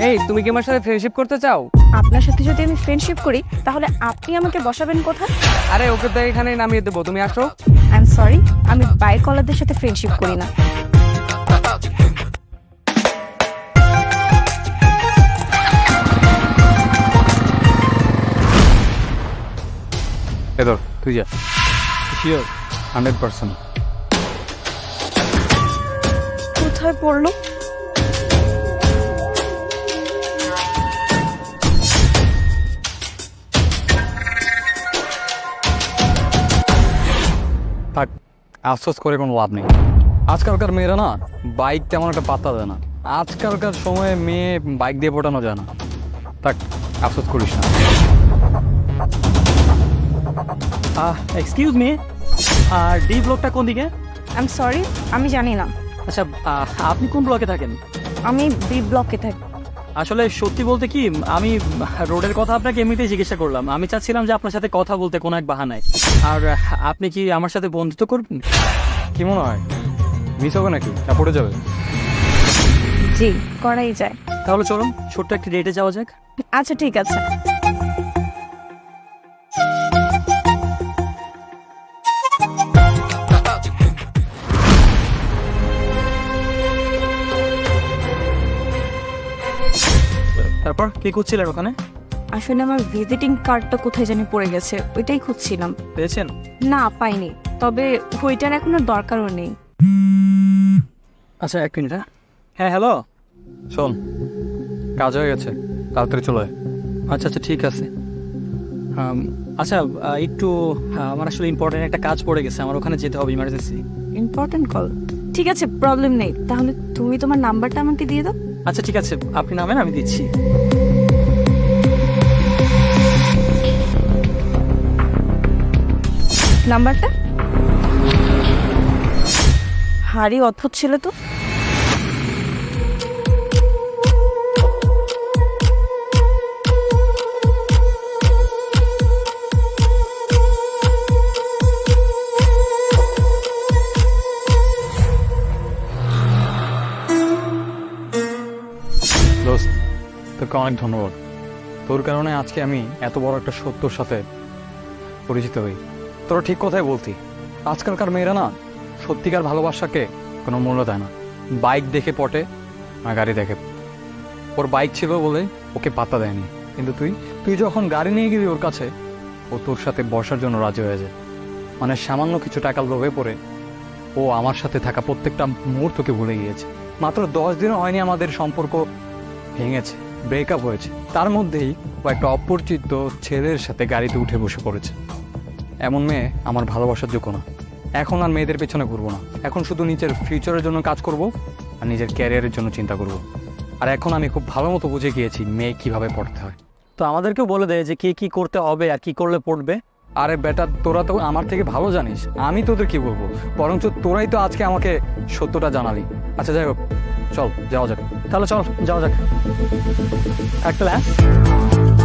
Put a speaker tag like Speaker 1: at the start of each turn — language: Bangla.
Speaker 1: এই তুমি কি আমার সাথে ফ্রেন্ডশিপ করতে চাও?
Speaker 2: আপনার সাথে যদি আমি ফ্রেন্ডশিপ করি তাহলে আপনি আমাকে বসাবেন কোথায়?
Speaker 1: আরে ওকে তো এখানেই নামিয়ে দেবো, তুমি আসো।
Speaker 2: আই এম সরি, আমি বাইকওয়ালাদের সাথে ফ্রেন্ডশিপ করি না।
Speaker 1: এদর তুই যা। শিওর 100%।
Speaker 2: কোথায় পড়লো?
Speaker 1: থাক, আফসোস করে কোনো লাভ নেই। আজকালকার মেয়েরা না বাইক তেমন একটা পাত্তা দেয় না। আজকালকার সময়ে মেয়ে বাইক দিয়ে পটানো যায় না। থাক, আফসোস করিস না।
Speaker 3: এক্সকিউজ মি, আর ডি ব্লকটা কোন দিকে?
Speaker 2: আই এম সরি, আমি জানি না।
Speaker 3: আচ্ছা, আপনি কোন ব্লকে থাকেন?
Speaker 2: আমি বি ব্লকে থাকি।
Speaker 3: আসলে সত্যি বলতে কি, আমি রোডের কথা আপনাকে এমনিতেই জিজ্ঞাসা করলাম। আমি চাচ্ছিলাম যে আপনার সাথে কথা বলতে কোনো এক বাহানায়। আর আপনি কি আমার সাথে বন্ধুত্ব করবেন?
Speaker 1: কি মনে হয় মিস হবে নাকি, না পড়ে যাবে?
Speaker 2: জি, করাই যায়।
Speaker 3: তাহলে চলুন ছোট্ট একটি ডেটে যাওয়া যাক।
Speaker 2: আচ্ছা ঠিক আছে।
Speaker 3: তারপর কি করছিলেন ওখানে?
Speaker 2: আসলে আমার ভিজিটিং কার্ডটা কোথায় জানি পড়ে গেছে, ওইটাই খুঁজছিলাম।
Speaker 3: পেয়েছেন?
Speaker 2: না পাইনি, তবে ওইটার এখন আর দরকারও নেই।
Speaker 3: আচ্ছা, এক মিনিট। হ্যাঁ হ্যালো।
Speaker 1: শোন, কাজ হয়ে গেছে, তাড়াতাড়ি চলে আয়।
Speaker 3: আচ্ছা আচ্ছা, ঠিক আছে। আচ্ছা, একটু আমার আসলে ইম্পর্টেন্ট একটা কাজ পড়ে গেছে, আমার ওখানে যেতে হবে ইমার্জেন্সি।
Speaker 2: Important call? ঠিক আছে, প্রবলেম নেই। তাহলে তুমি তোমার নাম্বারটা আমাকে দিয়ে দাও।
Speaker 3: আচ্ছা ঠিক আছে, আপনি নামেন, আমি দিচ্ছি।
Speaker 2: নাম্বারটা? হারি অদ্ভুত ছিল তো।
Speaker 1: দোস্ত, তোকে অনেক ধন্যবাদ। তোর কারণে আজকে আমি এত বড় একটা সত্যর সাথে পরিচিত হই। তোরা ঠিক কথাই বলতি, আজকালকার মেয়েরা না সত্যিকার ভালোবাসাকে কোনো মূল্য দেয় না। বাইক দেখে পটে না গাড়ি দেখে। ওর বাইক ছিল বলে ওকে পাত্তা দেয়নি, কিন্তু তুই যখন গাড়ি নিয়ে গেলি ওর কাছে, ও তোর সাথে বসার জন্য রাজি হয়ে যায়। মানে সামান্য কিছু টাকার লোভে পড়ে ও আমার সাথে থাকা প্রত্যেকটা মুহূর্তকে ভুলে গিয়েছে। মাত্র 10 দিন হয়নি আমাদের সম্পর্ক ভেঙেছে, ব্রেকআপ হয়েছে, তার মধ্যেই ও একটা অপরিচিত ছেলের সাথে গাড়িতে উঠে বসে পড়েছে। এমন মেয়ে আমার ভালোবাসার যোগ্য না। এখন আর মেয়েদের পেছনে ঘুরবো না, এখন শুধু নিজের ফিউচারের জন্য কাজ করব আর নিজের ক্যারিয়ারের জন্য চিন্তা করব। আর এখন আমি খুব ভালো মতো বুঝে গিয়েছি মেয়ে কিভাবে পড়তে হয়।
Speaker 3: তো আমাদেরকেও বলে দেয় যে কি করতে হবে আর কি করলে পড়বে।
Speaker 1: আরে বেটা, তোরা তো আমার থেকে ভালো জানিস, আমি তোদের কি বলবো? বরঞ্চ তোরাই তো আজকে আমাকে সত্যটা জানালি। আচ্ছা যাই হোক, চল যাওয়া যাক।
Speaker 3: তাহলে চল যাওয়া যাক। একটা